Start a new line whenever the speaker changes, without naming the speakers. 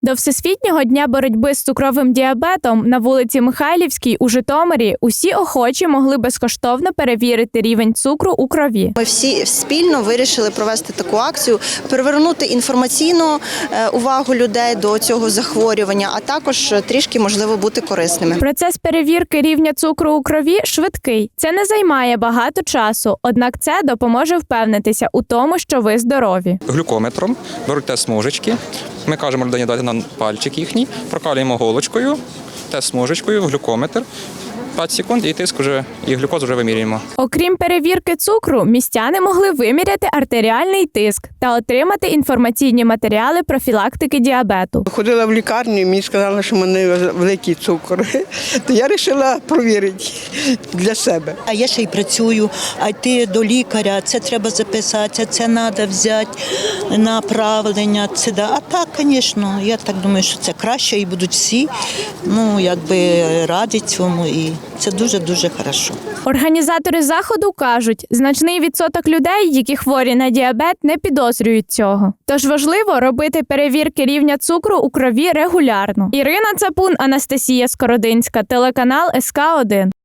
До Всесвітнього дня боротьби з цукровим діабетом на вулиці Михайлівській у Житомирі усі охочі могли безкоштовно перевірити рівень цукру у крові.
Ми всі спільно вирішили провести таку акцію, привернути інформаційну увагу людей до цього захворювання, а також трішки, можливо, бути корисними.
Процес перевірки рівня цукру у крові швидкий. Це не займає багато часу, однак це допоможе впевнитися у тому, що ви здорові.
Глюкометром беруть тест-смужечки. Ми кажемо людині дати нам пальчик їхній, прокалюємо голочкою, тест-смужечкою в глюкометр. 5 секунд і тиск вже, і глюкозу вже вимірюємо.
Окрім перевірки цукру, містяни могли виміряти артеріальний тиск та отримати інформаційні матеріали профілактики діабету.
Ходила в лікарню і мені сказали, що в мене великий цукор. То я вирішила перевірити для себе.
А я ще й працюю, а йти до лікаря, це треба записати, це треба взяти направлення. Це да. А так, звісно, я так думаю, що це краще і будуть всі раді цьому. І це дуже-дуже хорошо.
Організатори заходу кажуть, значний відсоток людей, які хворі на діабет, не підозрюють цього. Тож важливо робити перевірки рівня цукру у крові регулярно. Ірина Цапун, Анастасія Скородинська, телеканал СК1.